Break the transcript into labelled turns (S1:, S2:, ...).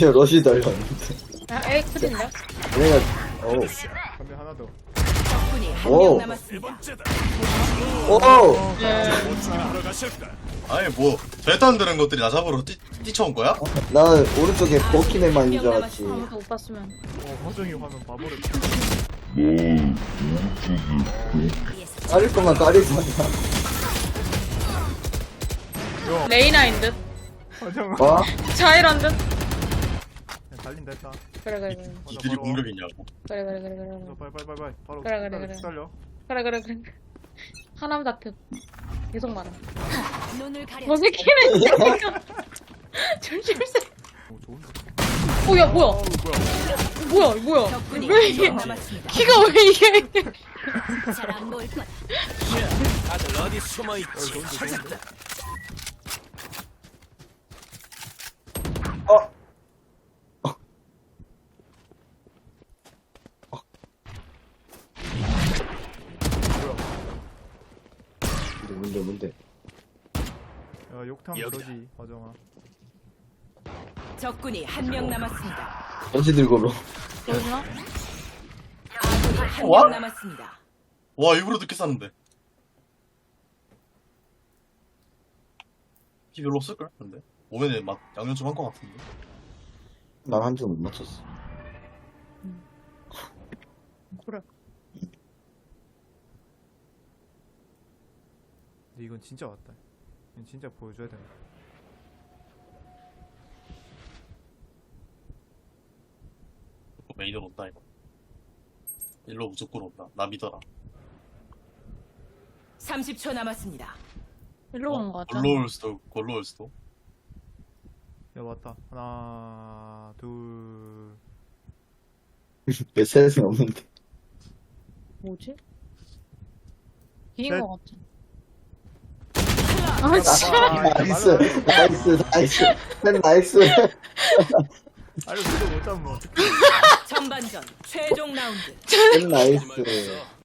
S1: 저 러시 달렸는데.
S2: 아, 에이, 큰일인데?
S1: 내가, 오.
S3: 근데 하나 더.
S4: 적군이 한
S1: 오.
S4: 명 남았습니다.
S1: 오!
S5: 아니 뭐 절대 안 되는 것들이 나 잡으러 뛰쳐온 거야?
S1: 난 오른쪽에 버키맨만 인줄 알았지.
S2: 아무도 못 봤으면.
S3: 허정이 화면 바보를.
S1: 까릴 거만 까리지 마.
S2: 레이나인 듯?
S3: 허정.
S1: 와?
S2: 자이란 듯?
S3: 달린다 했다.
S2: 그래, 그래, 그래.
S5: 이들이 공격이냐고.
S2: 그래, 그래, 그래, 그래.
S3: 빨빨빨빨 바로
S2: 그래, 그래, 그래.
S3: 달려.
S2: 그래, 그래, 그래. 하남 다트. 계속 말아.
S4: 눈을 가려.
S2: 저 새끼는 진짜. 조심세.
S3: 오 좋은데.
S2: 어, 야, 뭐야?
S3: 어우 뭐야.
S2: 뭐야?
S4: 적군이
S2: 왜
S4: 한
S2: 이게?
S4: 명 남았습니다.
S2: 키가 왜 이게?
S4: 잘안 보일 거다.
S6: 다들 어디 숨어 있지? 찾았다.
S1: 어? 뭔데?
S3: 야 욕탕
S6: 여기다.
S3: 저지 허정아.
S4: 적군이 한 명 남았습니다.
S1: 어찌 들고로.
S2: 여기나?
S4: 아군이 한
S5: 와?
S4: 명 남았습니다.
S5: 와 일부러 늦게 쐈는데. 피 별로 없을걸? 근데 오면에 막 양념 좀 한 거 같은데.
S1: 난 한 줄 못 맞췄어.
S2: 그래.
S3: 근데 이건 진짜 왔다. 이건 진짜 보여줘야 된다.
S5: 메인으로 온다 이거. 일로 무조건 온다. 나 믿어라.
S4: 30초 남았습니다.
S2: 일로 온 거 같아.
S5: 골로 올 수도 골로 올 수도.
S3: 야 왔다. 하나 둘.
S1: 왜 셋은 없는데.
S2: 뭐지? 이긴
S3: 셋.
S2: 거 같아. 아, 진짜.
S1: 나이스, 나이스. 셋 나이스.
S3: 아니 그거 못 잡으면 어떡해.
S4: 전반전 최종 라운드.
S1: 셋 나이스.